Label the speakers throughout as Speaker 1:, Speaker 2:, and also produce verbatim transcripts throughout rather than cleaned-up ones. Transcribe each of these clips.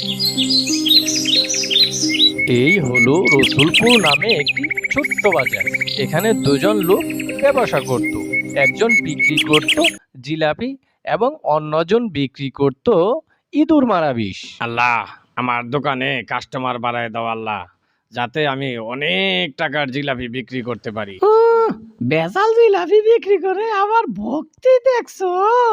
Speaker 1: এই হলো রসুলপুর নামে একটি ছোট্ট বাজার। এখানে দুজন লোক ব্যবসা করত। একজন বিক্রি করত জিলাপি এবং অন্যজন বিক্রি করত ইঁদুর মারা বিষ।
Speaker 2: আল্লাহ, আমার দোকানে কাস্টমার বাড়ায় দাও আল্লাহ, যাতে আমি অনেক টাকার জিলাপি বিক্রি করতে পারি।
Speaker 3: বেজাল জিলাপি বিক্রি করে আবার ভক্তি দেখছো?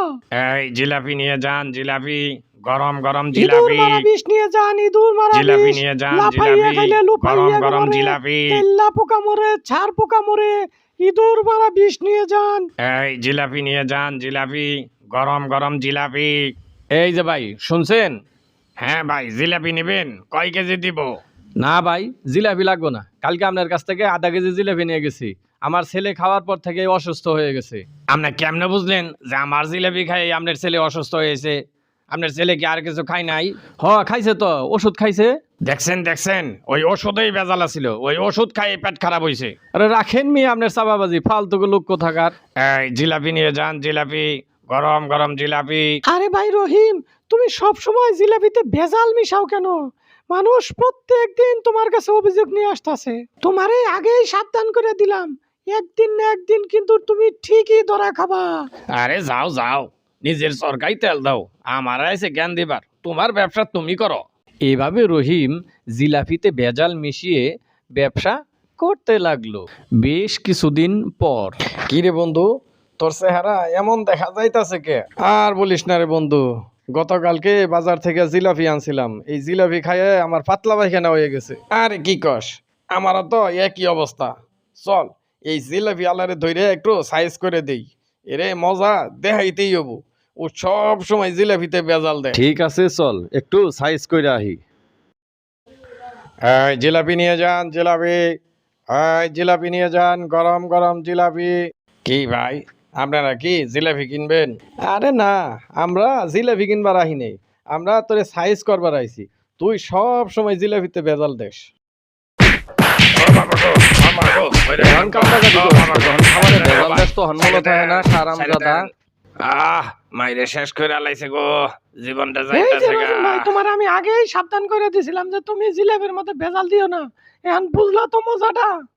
Speaker 2: এই জিলাপি নিয়ে যান, জিলাপি গরম গরম
Speaker 3: ইঁদুর
Speaker 2: জিলাপি।
Speaker 3: মারা বিষ নিয়ে যান, ইঁদুর মারা
Speaker 2: জিলাপি
Speaker 3: বিষ।
Speaker 2: নিয়ে যান,
Speaker 3: লাফাইয়া
Speaker 2: জিলাপি
Speaker 3: খাইলে
Speaker 2: গরম
Speaker 3: লুফাইয়া
Speaker 2: গরম
Speaker 3: মরে,
Speaker 2: জিলাপি।
Speaker 3: তেল্লা পোকা মরে, ছাড় পোকা মরে, ইঁদুর মারা বিষ নিয়ে যান।
Speaker 2: এই জিলাপি নিয়ে যান, জিলাপি গরম গরম জিলাপি।
Speaker 1: এই যে ভাই, শুনছেন?
Speaker 2: হ্যাঁ ভাই, জিলাপি নেবেন? কয় কেজি দিব?
Speaker 1: না ভাই, জিলাপি লাগবে না। কালকে আপনার কাছ থেকে আধা কেজি জিলাপি নিয়ে গেছি। আমার ছেলে খাওয়ার পর থেকে অসুস্থ হয়ে গেছে।
Speaker 2: আপনি কেমনে বুঝলেন যে আমার জিলাপি খাই আপনার ছেলে অসুস্থ হয়েছে? আপনার ছেলে কি আর কিছু খাই নাই?
Speaker 1: হ, খাইছে তো, ওষুধ খাইছে।
Speaker 2: দেখছেন দেখছেন, ওই ওষুধেই বেজাল ছিল, ওই ওষুধ খাই পেট খারাপ হয়েছে।
Speaker 1: আরে রাখেন মি আপনার চাপাবাজি, ফালতু লোক কোথাকার।
Speaker 2: এই জিলাপি নিয়ে যান, জিলাপি গরম গরম জিলাপি।
Speaker 3: আরে ভাই রহিম, তুমি সব সময় জিলাপিতে ভেজাল মিশাও কেন? মানুষ প্রত্যেক দিন তোমার কাছে অভিযোগ নিয়ে আসতেছে। তোমারে আগেই সাবধান করে দিলাম, একদিন না একদিন কিন্তু তুমি ঠিকই ধরা খাবা।
Speaker 2: আরে যাও যাও, নিজের সরকারি তেল দাও, আমার এসে জ্ঞান দিবার। তোমার ব্যবসা তুমি করো।
Speaker 1: এভাবে রহিম জিলাপিতে ভেজাল মিশিয়ে ব্যবসা করতে লাগলো। বেশ কিছুদিন পর,
Speaker 4: কি রে বন্ধু, তোর চেহারা এমন দেখা যাইতাছে কে? আর বলিস না রে বন্ধু, গতকালকে বাজার থেকে জিলাপি আনছিলাম। এই জিলাপি খাইয়ে আমার পাতলা পায়খানা হয়ে গেছে। আরে কি কস, আমারও তো একই অবস্থা। চল, এই জিলাপি আলারে ধরে একটু সাইজ করে দেই। এরে মজা দেখাইতেই হবো। ও সব সময় জিলাপিতে বেজাল দেয়।
Speaker 1: ঠিক আছে, চল একটু সাইজ করে আহি।
Speaker 4: এই জিলাপি নিয়ে যান, জিলাপি। এই জিলাপি নিয়ে যান, গরম গরম জিলাপি। কি ভাই, আপনারা কি জিলাপি কিনবেন? আরে না, আমরা জিলাপি কিনবার আহি নেই, আমরা তোরে সাইজ করবার আইছি। তুই সব সময় জিলাপিতে বেজাল দেশ।
Speaker 2: আহ, মাইরে শেষ করে আলাইছে গো, জীবনটা
Speaker 3: এই যে
Speaker 2: যাইতাছে গা।
Speaker 3: রহিম ভাই, তোমার আমি আগেই সাবধান করে দিয়েছিলাম যে তুমি জিলাপির মধ্যে ভেজাল দিও না। এখন বুঝলা তো মজাটা?